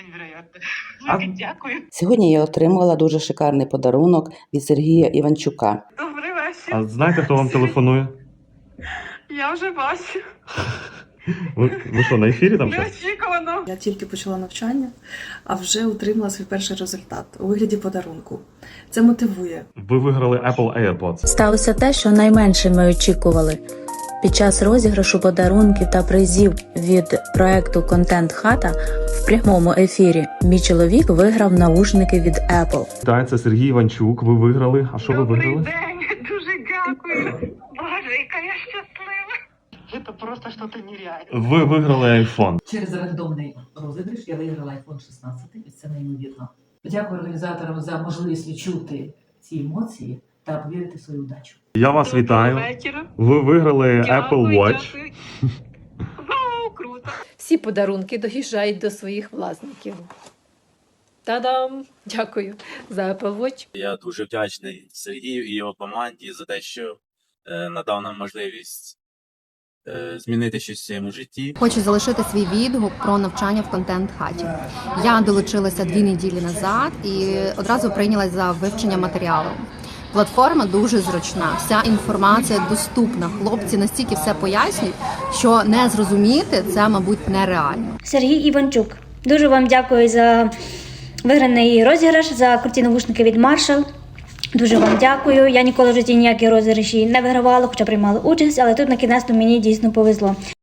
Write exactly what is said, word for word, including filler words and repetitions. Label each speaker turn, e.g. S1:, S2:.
S1: невероятно.
S2: А-
S1: Дуже дякую.
S3: Сьогодні я отримала дуже шикарний подарунок від Сергія Іванчука.
S1: Добрий вечір.
S2: А знаєте, хто вам телефонує?
S1: Я вже бачу.
S2: Ви, ви що, на ефірі там щось?
S1: Неочікувано.
S4: Я тільки почала навчання, а вже отримала свій перший результат у вигляді подарунку. Це мотивує.
S2: Ви виграли Apple AirPods.
S5: Сталося те, що найменше ми очікували. Під час розіграшу подарунків та призів від проекту «Контент Хата» в прямому ефірі мій чоловік виграв навушники від Apple.
S2: Так, це Сергій Іванчук. Ви виграли. А що ви
S1: Добрий
S2: виграли?
S1: день. Дуже дякую. Боже, яка я щаслива. Це просто щось нереальне.
S2: Ви виграли iPhone.
S6: Через рандомний розіграш я виграла айфон шістнадцять, і це неймовірно. Дякую організаторам за можливість відчути ці емоції та повірити в свою удачу.
S2: Я вас
S1: Доброго
S2: вітаю.
S1: вечора.
S2: Ви виграли
S1: Дякую,
S2: Apple Watch.
S1: дякую. Вау, круто.
S7: Всі подарунки доїжджають до своїх власників. Та-дам! Дякую за Apple Watch.
S8: Я дуже вдячний Сергію і його команді за те, що е, надав нам можливість е, змінити щось в своєму житті.
S9: Хочу залишити свій відгук про навчання в контент-хаті. Я долучилася дві неділі назад і одразу прийнялась за вивчення матеріалу. Платформа дуже зручна, вся інформація доступна. Хлопці настільки все пояснюють, що не зрозуміти це, мабуть, нереально.
S10: Сергій Іванчук. Дуже вам дякую за виграний розіграш, за круті навушники від Marshall. Дуже вам дякую. Я ніколи в житті ніякі розіграші не вигравала, хоча приймала участь, але тут на кінець мені дійсно повезло.